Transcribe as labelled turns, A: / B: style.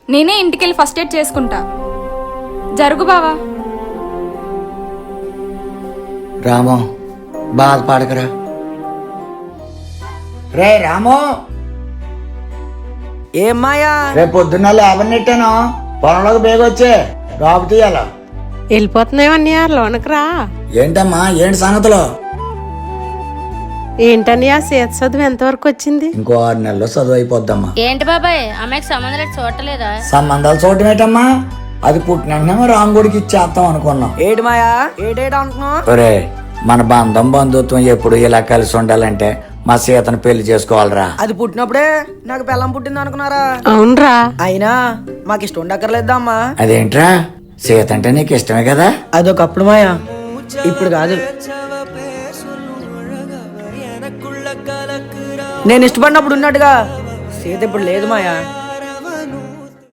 A: నేనే ఇంటికెళ్ళి first aid చేసుకుంటా. జరుగు బావా.
B: రాము బాధపడకరా. రే రాము,
C: ఏం మాయా?
B: రేపు పొద్దున్న లేబర్ నెట్టాను, పొలంలోకి బేగొచ్చే రాపు తీయాల.
D: వెళ్ళిపోతున్నావన్నయ్య, లోనకి రా.
B: ఏంటమ్మా, ఏంటి సంగతులు?
D: ఏంటన్నయ్య, సేత చదువు ఎంతవరకు వచ్చింది?
B: ఇంకో 6 నెలల్లో చదువు అయిపోద్దమ్మా.
E: ఏంటి బాబాయ్, అమ్మాయికి సంబంధాలు చూడలేదా?
B: సంబంధాలు చూడటం ఏంటమ్మా, అది పుట్టిన రాంగుడికి ఇచ్చేస్తాం అనుకున్నాం.
C: ఏటి మాయా, ఏటేట అనుకున్నావు?
B: ఒరే, మన బంధం బంధుత్వం ఎప్పుడు ఇలా కలిసి ఉండాలంటే మా సీతను పెళ్లి చేసుకోవాలరా.
C: అది పుట్టినప్పుడే నాకు పిల్లం పుట్టింది అనుకున్నారా?
D: అవునరా.
C: అయినా మాకు ఇష్టం ఉండక్కర్లేదా అమ్మా?
B: అదేంట్రా, సీత అంటే నీకు ఇష్టమే కదా?
C: అదొకప్పుడు మాయా, ఇప్పుడు కాదు. నేను ఇష్టపడినప్పుడు ఉన్నట్టుగా సీత ఇప్పుడు లేదు మాయా.